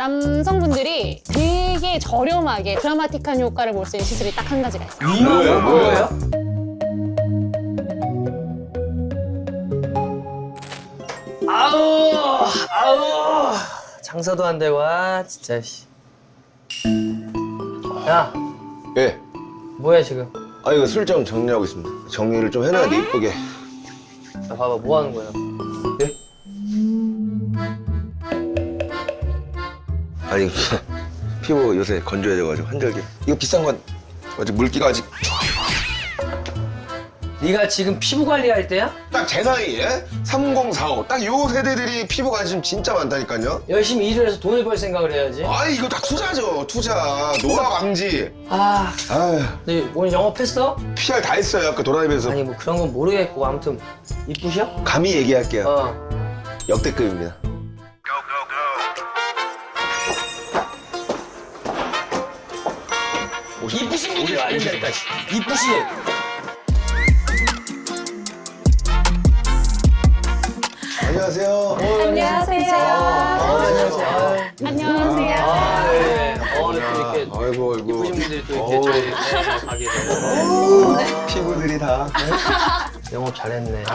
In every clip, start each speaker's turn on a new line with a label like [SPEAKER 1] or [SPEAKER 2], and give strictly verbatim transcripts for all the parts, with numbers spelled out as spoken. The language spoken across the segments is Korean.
[SPEAKER 1] 남성분들이 되게 저렴하게 드라마틱한 효과를 볼 수 있는 시술이 딱 한 가지가 있어요.
[SPEAKER 2] 뭐예요? 뭐예요? 아우 아우 장사도 안 되고 아 진짜 씨. 야
[SPEAKER 3] 예.
[SPEAKER 2] 뭐야 지금?
[SPEAKER 3] 아 이거 술점 정리하고 있습니다. 정리를 좀 해놔야 돼 이쁘게.
[SPEAKER 2] 야, 봐봐 뭐 하는 거야?
[SPEAKER 3] 예? 아니 피부 요새 건조해져가지고 한절기. 이거 비싼 건 아직 물기가 아직
[SPEAKER 2] 네가 지금 피부 관리할 때야?
[SPEAKER 3] 딱 제 나이에 삼공사오 딱 요 세대들이 피부 관심 진짜 많다니까요.
[SPEAKER 2] 열심히 일을 해서 돈을 벌 생각을 해야지.
[SPEAKER 3] 아 이거 다 투자죠 투자. 노화 방지.
[SPEAKER 2] 아,
[SPEAKER 3] 아휴
[SPEAKER 2] 너 오늘 영업했어?
[SPEAKER 3] 피알 다 했어요 아까 도라이브에서.
[SPEAKER 2] 아니 뭐 그런 건 모르겠고 아무튼 이쁘셔?
[SPEAKER 3] 감히 얘기할게요.
[SPEAKER 2] 어.
[SPEAKER 3] 역대급입니다.
[SPEAKER 2] 이쁘신 분들이 아닌다니까. 이쁘신.
[SPEAKER 3] 안녕하세요.
[SPEAKER 1] 안녕하세요.
[SPEAKER 2] 어, 안녕하세요.
[SPEAKER 1] 안녕하세요.
[SPEAKER 2] 아, 네. 어, 또 이렇게
[SPEAKER 3] 아이고 아이고.
[SPEAKER 2] 이쁘신 분들이 또 이렇게
[SPEAKER 3] 어우,
[SPEAKER 2] 저희 네, 가게 되고.
[SPEAKER 3] 피부들이 다.
[SPEAKER 2] 영업 잘했네.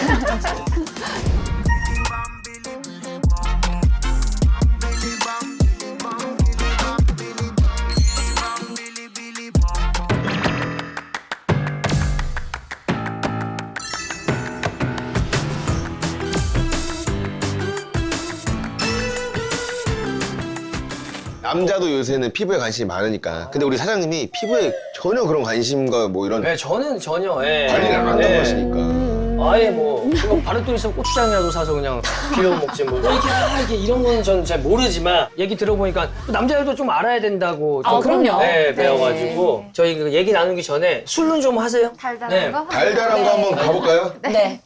[SPEAKER 3] 남자도 요새는 피부에 관심이 많으니까. 근데 우리 사장님이 피부에 전혀 그런 관심과 뭐 이런
[SPEAKER 2] 네, 저는 전혀 예.
[SPEAKER 3] 관리를 안 한다고
[SPEAKER 2] 예.
[SPEAKER 3] 하시니까.
[SPEAKER 2] 아예 뭐 이거 바른 돈 있으면 고추장이라도 사서 그냥 비벼 먹지 뭐 이렇게 아, 이게 이런 거는 저는 잘 모르지만 얘기 들어보니까 또 남자들도 좀 알아야 된다고
[SPEAKER 1] 아,
[SPEAKER 2] 좀,
[SPEAKER 1] 그럼요.
[SPEAKER 2] 네, 배워가지고 저희 그 얘기 나누기 전에 술은 좀 하세요.
[SPEAKER 4] 달달한
[SPEAKER 2] 네.
[SPEAKER 4] 거?
[SPEAKER 3] 달달한 거 한번 가볼까요?
[SPEAKER 4] 네.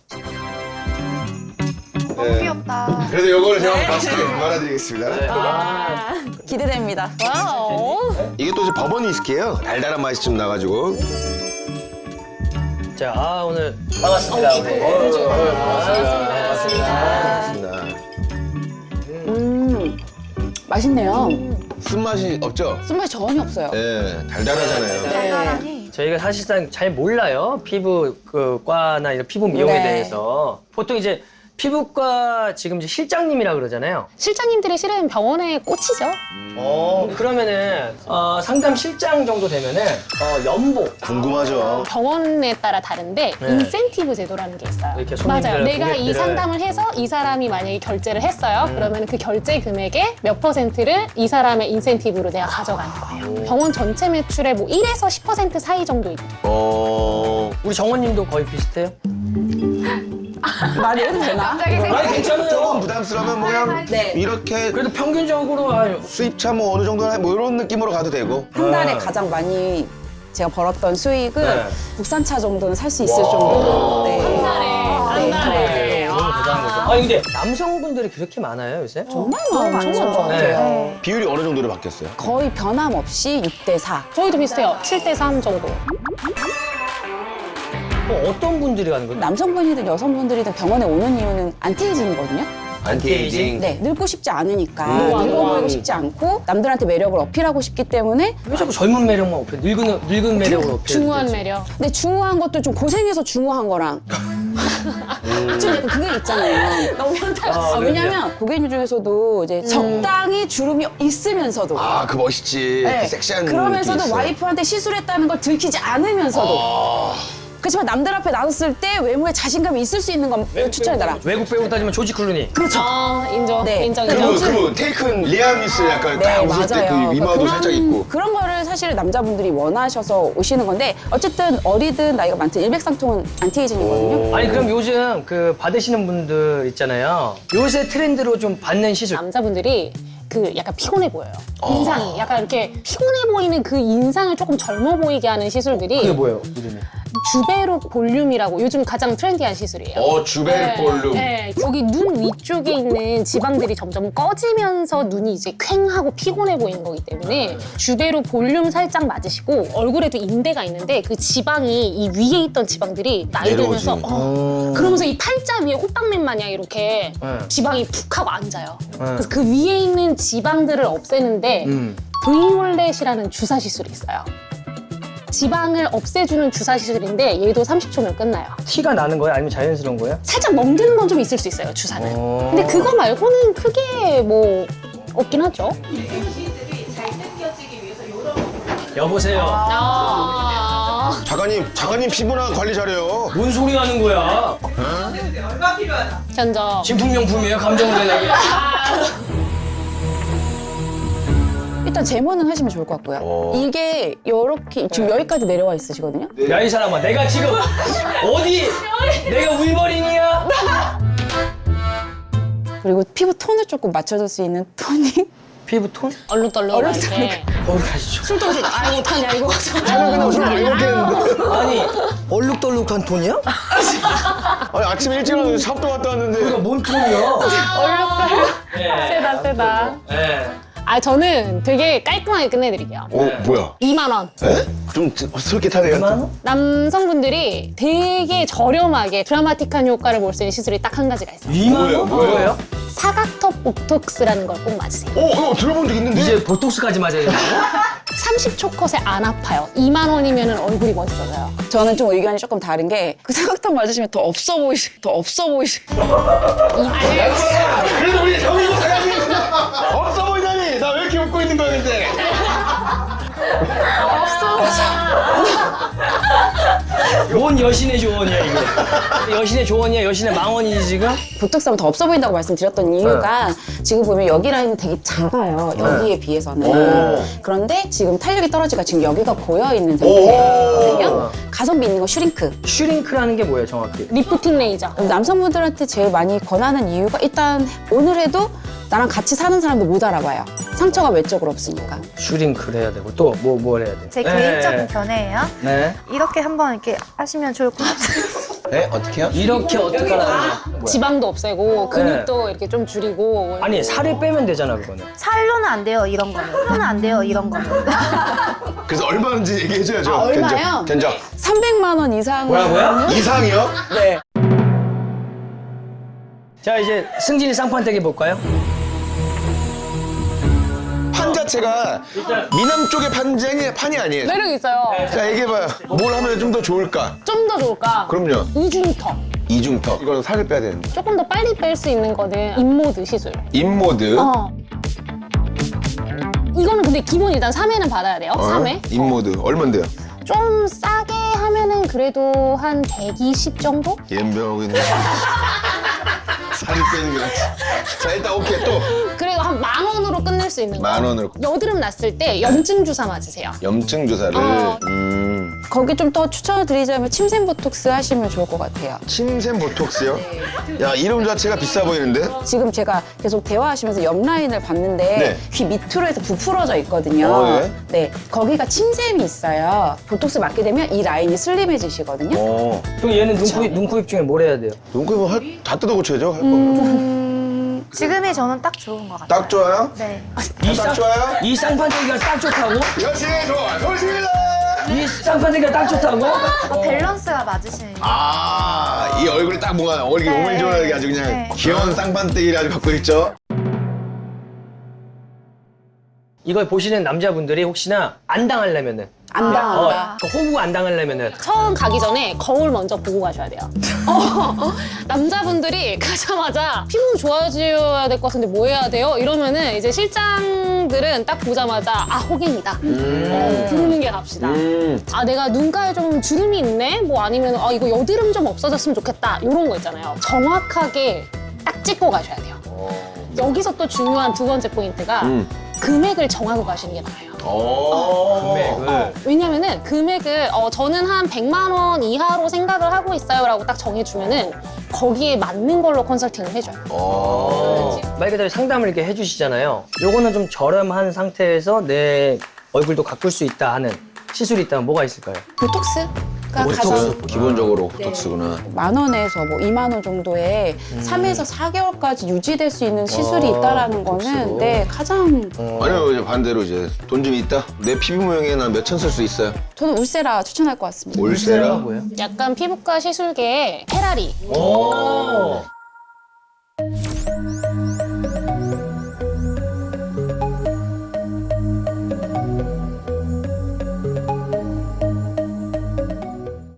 [SPEAKER 4] 너무
[SPEAKER 3] 네.
[SPEAKER 4] 귀엽다.
[SPEAKER 3] 그래서 요거를 제가 맛있게 말아드리겠습니다.
[SPEAKER 2] 네. 아,
[SPEAKER 5] 기대됩니다.
[SPEAKER 1] 와우.
[SPEAKER 3] 이게 또 이제 버번 위스키예요. 달달한 맛이 좀 나가지고.
[SPEAKER 2] 자, 아, 오늘 반갑습니다. 우리. 어, 반갑습니다.
[SPEAKER 3] 좋습니다.
[SPEAKER 5] 음, 맛있네요.
[SPEAKER 3] 쓴맛이 없죠?
[SPEAKER 5] 쓴맛이 전혀 없어요.
[SPEAKER 3] 네, 달달하잖아요.
[SPEAKER 4] 달달하니.
[SPEAKER 2] 저희가 사실상 잘 몰라요. 피부 그 과나 이런 피부 미용에
[SPEAKER 5] 네.
[SPEAKER 2] 대해서. 보통 이제 피부과 지금 이제 실장님이라 그러잖아요.
[SPEAKER 1] 실장님들이 실은 병원의 꽃이죠.
[SPEAKER 2] 어, 그러면은 어, 상담 실장 정도 되면은 어, 연봉
[SPEAKER 3] 궁금하죠?
[SPEAKER 1] 병원에 따라 다른데
[SPEAKER 2] 네.
[SPEAKER 1] 인센티브 제도라는 게 있어요.
[SPEAKER 2] 이렇게 손님들,
[SPEAKER 1] 맞아요. 내가 이
[SPEAKER 2] 고객들을.
[SPEAKER 1] 상담을 해서 이 사람이 만약에 결제를 했어요.
[SPEAKER 2] 음.
[SPEAKER 1] 그러면 그 결제 금액의 몇 퍼센트를 이 사람의 인센티브로 내가 가져가는 거예요. 병원 전체 매출의 뭐 일에서 십 퍼센트 사이 정도 있죠.
[SPEAKER 3] 어...
[SPEAKER 2] 우리 정원님도 거의 비슷해요?
[SPEAKER 5] 말이 해도 되나?
[SPEAKER 4] 갑자기
[SPEAKER 2] 아니
[SPEAKER 4] 생각.
[SPEAKER 3] 조금
[SPEAKER 2] 괜찮아요.
[SPEAKER 3] 부담스러우면 뭐 그냥
[SPEAKER 5] 네.
[SPEAKER 3] 이렇게
[SPEAKER 2] 그래도 평균적으로 아,
[SPEAKER 3] 수입차 뭐 어느 정도 뭐 이런 느낌으로 가도 되고.
[SPEAKER 5] 한 달에
[SPEAKER 2] 네.
[SPEAKER 5] 가장 많이 제가 벌었던 수익은
[SPEAKER 2] 네.
[SPEAKER 5] 국산차 정도는 살 수 있을 정도로. 네.
[SPEAKER 1] 한 달에, 한 달에.
[SPEAKER 2] 너무 대단한 거죠. 아니 근데 남성분들이 그렇게 많아요 요새?
[SPEAKER 5] 정말 많은 것 같아요.
[SPEAKER 2] 네.
[SPEAKER 3] 비율이 어느 정도로 바뀌었어요?
[SPEAKER 5] 거의 변함없이 육 대 사.
[SPEAKER 1] 저희도 비슷해요. 칠 대 삼 정도.
[SPEAKER 2] 또 어떤 분들이 가는 거예요?
[SPEAKER 5] 남성분이든 여성분들이든 병원에 오는 이유는 안티에이징이거든요.
[SPEAKER 2] 안티에이징?
[SPEAKER 5] 네, 늙고 싶지 않으니까
[SPEAKER 1] 노안,
[SPEAKER 5] 늙어
[SPEAKER 1] 노안.
[SPEAKER 5] 보이고 싶지 않고 남들한테 매력을 어필하고 싶기 때문에.
[SPEAKER 2] 왜 자꾸 젊은 매력만 어필? 늙은 늙은 매력으로 어필.
[SPEAKER 1] 중후한 매력.
[SPEAKER 5] 근데 중후한 것도 좀 고생해서 중후한 거랑 좀 약간 그게 있잖아요.
[SPEAKER 1] 너무 현타.
[SPEAKER 2] 아,
[SPEAKER 5] 아, 왜냐면 고객님 중에서도 이제 적당히 주름이 있으면서도
[SPEAKER 3] 아, 그 멋있지.
[SPEAKER 5] 네.
[SPEAKER 3] 그 섹시한 느낌이
[SPEAKER 5] 그러면서도
[SPEAKER 3] 있어.
[SPEAKER 5] 와이프한테 시술했다는 걸 들키지 않으면서도
[SPEAKER 3] 아,
[SPEAKER 5] 그렇지만 남들 앞에 나섰을 때 외모에 자신감이 있을 수 있는 건 추천해달라.
[SPEAKER 2] 외국 배우 따지면 조지 클루니.
[SPEAKER 5] 그렇죠.
[SPEAKER 1] 아, 인정.
[SPEAKER 5] 네.
[SPEAKER 1] 인정,
[SPEAKER 3] 그리고
[SPEAKER 1] 인정.
[SPEAKER 3] 그 테이큰 리암 니슨 약간
[SPEAKER 5] 네,
[SPEAKER 3] 딱 웃을 때
[SPEAKER 5] 맞아요.
[SPEAKER 3] 그 이마도
[SPEAKER 5] 그러니까
[SPEAKER 3] 살짝
[SPEAKER 5] 그런-
[SPEAKER 3] 있고.
[SPEAKER 5] 그런 거를 사실 남자분들이 원하셔서 오시는 건데 어쨌든 어리든 나이가 많든 일백상통은 안티에이징이거든요.
[SPEAKER 2] 아니 그럼 요즘 그 받으시는 분들 있잖아요. 요새 트렌드로 좀 받는 시술.
[SPEAKER 1] 남자분들이 그 약간 피곤해 보여요. 인상이. 약간 이렇게 피곤해 보이는 그 인상을 조금 젊어 보이게 하는 시술들이
[SPEAKER 2] 그게 뭐예요? 이름이?
[SPEAKER 1] 주베로 볼륨이라고 요즘 가장 트렌디한 시술이에요.
[SPEAKER 3] 어, 주베 볼륨.
[SPEAKER 1] 네, 여기 눈 위쪽에 있는 지방들이 점점 꺼지면서 눈이 이제 퀭하고 피곤해 보이는 거기 때문에 주베로 볼륨 살짝 맞으시고 얼굴에도 인대가 있는데 그 지방이 이 위에 있던 지방들이 나이
[SPEAKER 3] 내려오지.
[SPEAKER 1] 들면서 어, 그러면서 이 팔자 위에 호빵맨 마냥 이렇게
[SPEAKER 2] 네.
[SPEAKER 1] 지방이 푹 하고 앉아요. 그래서 그 위에 있는 지방들을 없애는데
[SPEAKER 2] 음.
[SPEAKER 1] 브이올렛이라는 주사 시술이 있어요. 지방을 없애주는 주사 시술인데 얘도 삼십 초면 끝나요.
[SPEAKER 2] 티가 나는 거예요? 아니면 자연스러운 거예요?
[SPEAKER 1] 살짝 멍드는 건 좀 있을 수 있어요, 주사는.
[SPEAKER 2] 어.
[SPEAKER 1] 근데 그거 말고는 크게 뭐 없긴 하죠.
[SPEAKER 2] 여보세요.
[SPEAKER 1] 아,
[SPEAKER 3] 작가님, 작가님 피부나 관리 잘해요.
[SPEAKER 2] 뭔 소리 하는 거야?
[SPEAKER 1] 견적.
[SPEAKER 2] 진품명품이에요? 감정을 내나게.
[SPEAKER 5] 일단 제모는 하시면 좋을 것 같고요.
[SPEAKER 3] 어.
[SPEAKER 5] 이게 이렇게 지금 여기까지 내려와 있으시거든요.
[SPEAKER 2] 야, 이 사람아, 내가 지금 어디? 내가 울버린이야?
[SPEAKER 5] 그리고 피부 톤을 조금 맞춰줄 수 있는 토닝.
[SPEAKER 2] 피부 톤?
[SPEAKER 1] 얼룩덜룩할 때.
[SPEAKER 2] 거기 가시죠.
[SPEAKER 1] 술 도시 아이 못하냐 이거.
[SPEAKER 3] 저는 그냥 술 많이 먹겠는데.
[SPEAKER 2] 아니, 얼룩덜룩한 톤이야?
[SPEAKER 3] 아니, 아침에 일찍 일어나서 샵도 갔다 왔는데.
[SPEAKER 2] 그러니까 뭔 톤이야?
[SPEAKER 1] 얼룩덜룩.
[SPEAKER 2] 네.
[SPEAKER 1] 세다 세다.
[SPEAKER 2] 네.
[SPEAKER 1] 아 저는 되게 깔끔하게 끝내드릴게요.
[SPEAKER 3] 어, 뭐야?
[SPEAKER 1] 이만 원.
[SPEAKER 3] 에? 좀 솔깃하네요.
[SPEAKER 2] 얼마 원?
[SPEAKER 1] 남성분들이 되게 저렴하게 드라마틱한 효과를 볼 수 있는 시술이 딱 한 가지가 있어요.
[SPEAKER 2] 이만
[SPEAKER 3] 뭐예요?
[SPEAKER 2] 원?
[SPEAKER 3] 뭐예요?
[SPEAKER 2] 뭐예요?
[SPEAKER 1] 사각턱 보톡스라는 걸 꼭 맞으세요.
[SPEAKER 3] 어, 어, 들어본 적 있는데?
[SPEAKER 2] 이제 보톡스까지 맞아야 되는 거야?
[SPEAKER 1] 삼십 초 컷에 안 아파요. 이만 원이면 얼굴이 멋있어져요.
[SPEAKER 5] 저는 좀 의견이 조금 다른 게 그 사각턱 맞으시면 더 없어 보이시, 더 없어 보이시.
[SPEAKER 3] 그래도 우리 정의고 사장님 없어 보이다니. 나 왜 이렇게 웃고 있는 거야, 근데?
[SPEAKER 2] 뭔 여신의 조언이야, 이거? 여신의 조언이야? 여신의 망언이지, 지금?
[SPEAKER 5] 보톡스 하면 더 없어 보인다고 말씀드렸던 이유가 지금 보면 여기 라인은 되게 작아요. 여기에 비해서는.
[SPEAKER 3] 오.
[SPEAKER 5] 그런데 지금 탄력이 떨어지니까 지금 여기가 고여 있는 상태거든요. 가성비 있는 거 슈링크.
[SPEAKER 2] 슈링크라는 게 뭐예요, 정확히?
[SPEAKER 1] 리프팅 레이저.
[SPEAKER 5] 남성분들한테 제일 많이 권하는 이유가 일단 오늘 해도 나랑 같이 사는 사람도 못 알아봐요. 상처가 외적으로 없으니까.
[SPEAKER 2] 슈링크를 해야 되고 또 뭐 뭘 해야 돼?
[SPEAKER 4] 제
[SPEAKER 2] 네.
[SPEAKER 4] 개인적인 견해예요.
[SPEAKER 2] 네.
[SPEAKER 4] 이렇게 한번 이렇게 하시면 좋을 것 같아요.
[SPEAKER 3] 네? 어떻게요?
[SPEAKER 2] 이렇게 어떻게 하는 거야? 뭐야?
[SPEAKER 1] 지방도 없애고 근육도 이렇게 좀 줄이고.
[SPEAKER 2] 아니, 살을 빼면 되잖아, 그거는.
[SPEAKER 4] 살로는 안 돼요, 이런 거는. 살로는 안 돼요, 이런 거는.
[SPEAKER 3] 그래서 얼마인지 얘기해줘야죠.
[SPEAKER 5] 아, 얼마요?
[SPEAKER 3] 견적. 견적.
[SPEAKER 5] 삼백만 원 이상.
[SPEAKER 2] 뭐야, 뭐야?
[SPEAKER 3] 이상이요?
[SPEAKER 5] 네.
[SPEAKER 2] 자, 이제 승진이 쌍판대기 볼까요?
[SPEAKER 3] 판 자체가
[SPEAKER 2] 일단
[SPEAKER 3] 미남 쪽의 판이, 판이 아니에요.
[SPEAKER 1] 매력 있어요.
[SPEAKER 3] 자, 얘기해봐요. 뭘 하면 좀 더 좋을까?
[SPEAKER 1] 좀 더 좋을까?
[SPEAKER 3] 그럼요.
[SPEAKER 1] 이중턱.
[SPEAKER 3] 이중턱. 이거는 살을 빼야 되는데.
[SPEAKER 1] 조금 더 빨리 뺄 수 있는 거는 인모드 시술.
[SPEAKER 3] 인모드.
[SPEAKER 1] 어. 이거는 근데 기본 일단 삼 회는 받아야 돼요.
[SPEAKER 3] 어?
[SPEAKER 1] 삼 회.
[SPEAKER 3] 인모드. 얼만데요?
[SPEAKER 1] 좀 싸게 하면은 그래도 한 백이십 정도?
[SPEAKER 3] 옌병하고 있네. 살을 빼는 게 낫지. 자, 일단 오케이. 또
[SPEAKER 1] 그래도 한 만 원으로 끝낼 수 있는 거.
[SPEAKER 3] 만 원으로.
[SPEAKER 1] 여드름 났을 때 염증 주사 맞으세요.
[SPEAKER 3] 염증 주사를.
[SPEAKER 1] 어.
[SPEAKER 3] 음.
[SPEAKER 5] 거기 좀 더 추천을 드리자면 침샘 보톡스 하시면 좋을 것 같아요.
[SPEAKER 3] 침샘 보톡스요? 야, 이름 자체가 비싸 보이는데?
[SPEAKER 5] 지금 제가 계속 대화하시면서 옆 라인을 봤는데
[SPEAKER 3] 네.
[SPEAKER 5] 귀 밑으로 해서 부풀어져 있거든요.
[SPEAKER 3] 어, 예?
[SPEAKER 5] 네, 거기가 침샘이 있어요. 보톡스 맞게 되면 이 라인이 슬림해지시거든요.
[SPEAKER 3] 어.
[SPEAKER 2] 그럼 얘는 눈코입, 눈코입 중에 뭘 해야 돼요?
[SPEAKER 3] 눈코입은 할, 다 뜯어 고쳐야죠. 할 거.
[SPEAKER 4] 음, 지금이 저는 딱 좋은 것 같아요.
[SPEAKER 3] 딱 좋아요?
[SPEAKER 4] 네.
[SPEAKER 2] 이
[SPEAKER 3] 딱
[SPEAKER 2] 쌍-
[SPEAKER 3] 좋아요?
[SPEAKER 2] 이 쌍판대기가 딱 좋다고?
[SPEAKER 3] 역시 좋아. 좋습니다.
[SPEAKER 2] 이 쌍판대기가 딱 좋다고?
[SPEAKER 4] 어, 밸런스가 맞으시는.
[SPEAKER 3] 아, 이 얼굴이 딱 뭔가 얼굴이
[SPEAKER 4] 네.
[SPEAKER 3] 오밀조밀하게 아주 그냥
[SPEAKER 4] 네.
[SPEAKER 3] 귀여운 쌍판대기를 아주 갖고 있죠.
[SPEAKER 2] 이걸 보시는 남자분들이 혹시나 안 당하려면은
[SPEAKER 5] 안
[SPEAKER 2] 어,
[SPEAKER 5] 당한다.
[SPEAKER 2] 그 호구 안 당하려면은
[SPEAKER 1] 처음 가기 전에 거울 먼저 보고 가셔야 돼요. 어, 남자분들이 가자마자 피부 좋아져야 될 것 같은데 뭐 해야 돼요? 이러면은 이제 실장들은 딱 보자마자 아 호갱이다. 어, 부르는 게 갑시다.
[SPEAKER 3] 음.
[SPEAKER 1] 아 내가 눈가에 좀 주름이 있네? 뭐 아니면 아 이거 여드름 좀 없어졌으면 좋겠다. 이런 거 있잖아요. 정확하게 딱 찍고 가셔야 돼요. 여기서 또 중요한 두 번째 포인트가
[SPEAKER 3] 음.
[SPEAKER 1] 금액을 정하고 가시는 게 나아요.
[SPEAKER 3] 오.
[SPEAKER 2] 금액을
[SPEAKER 1] 왜냐면은 금액을 어, 저는 한 백만 원 이하로 생각을 하고 있어요 라고 딱 정해주면은 거기에 맞는 걸로 컨설팅을 해줘요.
[SPEAKER 3] 오.
[SPEAKER 2] 말 그대로 상담을 이렇게 해주시잖아요. 요거는 좀 저렴한 상태에서 내 얼굴도 가꿀 수 있다 하는 시술이 있다면 뭐가 있을까요?
[SPEAKER 5] 보톡스? 그러니까
[SPEAKER 3] 보톡스,
[SPEAKER 5] 가장
[SPEAKER 3] 기본적으로 보톡스구나.
[SPEAKER 5] 만 원에서 뭐 이만 원 정도에 삼에서 사 개월까지 유지될 수 있는 시술이
[SPEAKER 2] 아,
[SPEAKER 5] 있다라는
[SPEAKER 2] 보톡스로.
[SPEAKER 5] 거는 네 가장
[SPEAKER 3] 아니면 이제 반대로 이제 돈 좀 있다? 내 피부 모양에 난 몇 천 쓸 수 있어요.
[SPEAKER 5] 저는 울세라 추천할 것 같습니다.
[SPEAKER 3] 올세라?
[SPEAKER 2] 뭐예요?
[SPEAKER 1] 약간 피부과 시술계의 페라리.
[SPEAKER 2] 오.